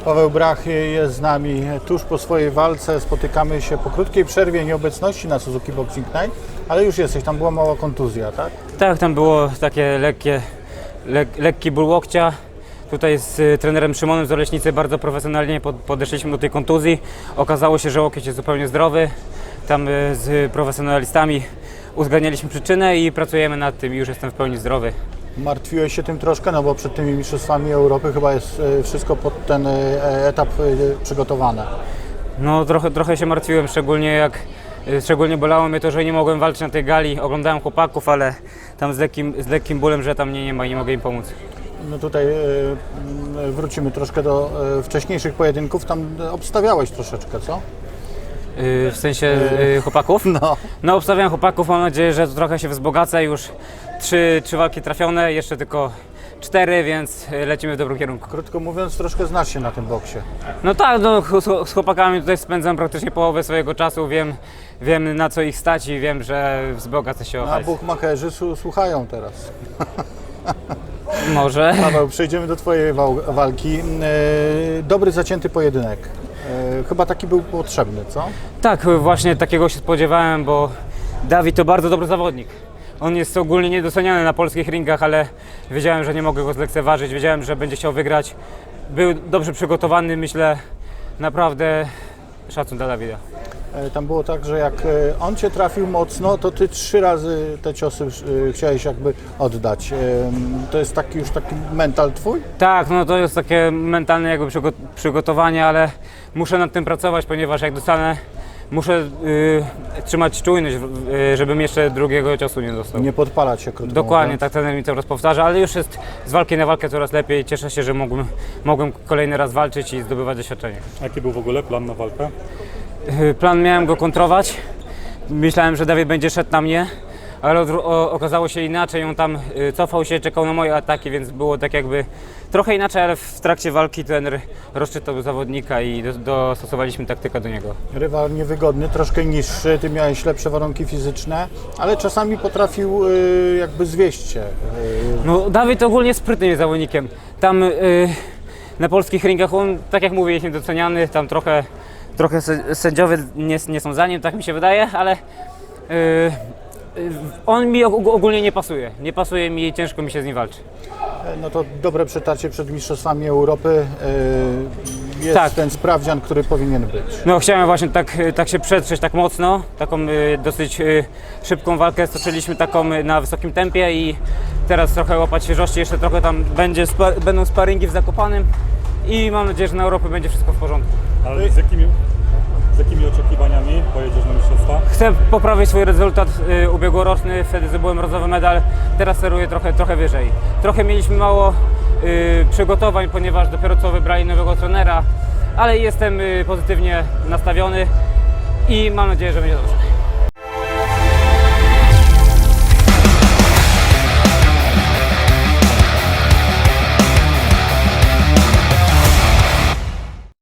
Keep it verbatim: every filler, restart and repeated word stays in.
Paweł Brach jest z nami tuż po swojej walce. Spotykamy się po krótkiej przerwie nieobecności na Suzuki Boxing Night, ale już jesteś, tam była mała kontuzja, tak? Tak, tam było takie lekkie, lek, lekki ból łokcia. Tutaj z y, trenerem Szymonem z Oleśnicy bardzo profesjonalnie pod, podeszliśmy do tej kontuzji. Okazało się, że łokieć jest zupełnie zdrowy. Tam y, z profesjonalistami uzgadnialiśmy przyczynę i pracujemy nad tym i już jestem w pełni zdrowy. Martwiłeś się tym troszkę, no bo przed tymi mistrzostwami Europy chyba jest e, wszystko pod ten e, etap e, przygotowane. No trochę, trochę się martwiłem, szczególnie jak y, szczególnie bolało mnie to, że nie mogłem walczyć na tej gali. Oglądałem chłopaków, ale tam z lekkim, z lekkim bólem, że tam mnie nie ma i nie mogę im pomóc. No tutaj e, wrócimy troszkę do e, wcześniejszych pojedynków, tam obstawiałeś troszeczkę, co? Y, w sensie y, chłopaków? No. No obstawiam chłopaków, mam nadzieję, że to trochę się wzbogacę. Już trzy, trzy walki trafione, jeszcze tylko cztery, więc lecimy w dobrym kierunku. Krótko mówiąc, troszkę znasz się na tym boksie. No tak, no, z, z chłopakami tutaj spędzam praktycznie połowę swojego czasu, wiem, wiem na co ich stać i wiem, że wzbogacę się o A hajs. bukmacherzy su- słuchają teraz. Może. Paweł, przejdziemy do twojej wał- walki. E, dobry, zacięty pojedynek. E, chyba taki był potrzebny, co? Tak, właśnie takiego się spodziewałem, bo Dawid to bardzo dobry zawodnik. On jest ogólnie niedoceniany na polskich ringach, ale wiedziałem, że nie mogę go zlekceważyć, wiedziałem, że będzie chciał wygrać. Był dobrze przygotowany, myślę, naprawdę szacun dla Dawida. E, tam było tak, że jak e, on cię trafił mocno, to ty trzy razy te ciosy e, chciałeś jakby oddać. E, to jest taki już taki mental twój? Tak, no to jest takie mentalne jakby przygo- przygotowanie, ale muszę nad tym pracować, ponieważ jak dostanę, muszę y, trzymać czujność, y, żebym jeszcze drugiego ciosu nie dostał. Nie podpalać się, krótko Dokładnie, mówiąc. tak trener mi to raz powtarza, ale już jest z walki na walkę coraz lepiej. Cieszę się, że mogłem, mogłem kolejny raz walczyć i zdobywać doświadczenie. Jaki był w ogóle plan na walkę? Y, Plan miałem go kontrować. Myślałem, że Dawid będzie szedł na mnie, ale odwró- o, okazało się inaczej. On tam y, cofał się, czekał na moje ataki, więc było tak jakby trochę inaczej, ale w trakcie walki trener rozczytał zawodnika i do, dostosowaliśmy taktykę do niego. Rywal niewygodny, troszkę niższy, ty miałeś lepsze warunki fizyczne, ale czasami potrafił y, jakby zwieść cię. Y, No, Dawid ogólnie sprytnym jest zawodnikiem. Tam y, na polskich ringach on, tak jak mówię, jest niedoceniany. Tam trochę, trochę sę- sędziowie nie, nie są za nim, tak mi się wydaje, ale y, y, on mi og- ogólnie nie pasuje. Nie pasuje mi i ciężko mi się z nim walczy. No to dobre przetarcie przed Mistrzostwami Europy. y, Jest Tak. ten sprawdzian, który powinien być. No, chciałem właśnie tak, tak się przetrzeć tak mocno, taką y, dosyć y, szybką walkę stoczyliśmy taką y, na wysokim tempie i teraz trochę łapać świeżości, jeszcze trochę tam będzie spa, będą sparingi w Zakopanem i mam nadzieję, że na Europę będzie wszystko w porządku. Ale z jakimi, z jakimi oczekiwaniami pojedziesz na mistrzostwa? Chcę poprawić swój rezultat y, ubiegłoroczny, wtedy zdobyłem brązowy medal, teraz celuję trochę, trochę wyżej. Trochę mieliśmy mało y, przygotowań, ponieważ dopiero co wybrali nowego trenera, ale jestem y, pozytywnie nastawiony i mam nadzieję, że będzie dobrze.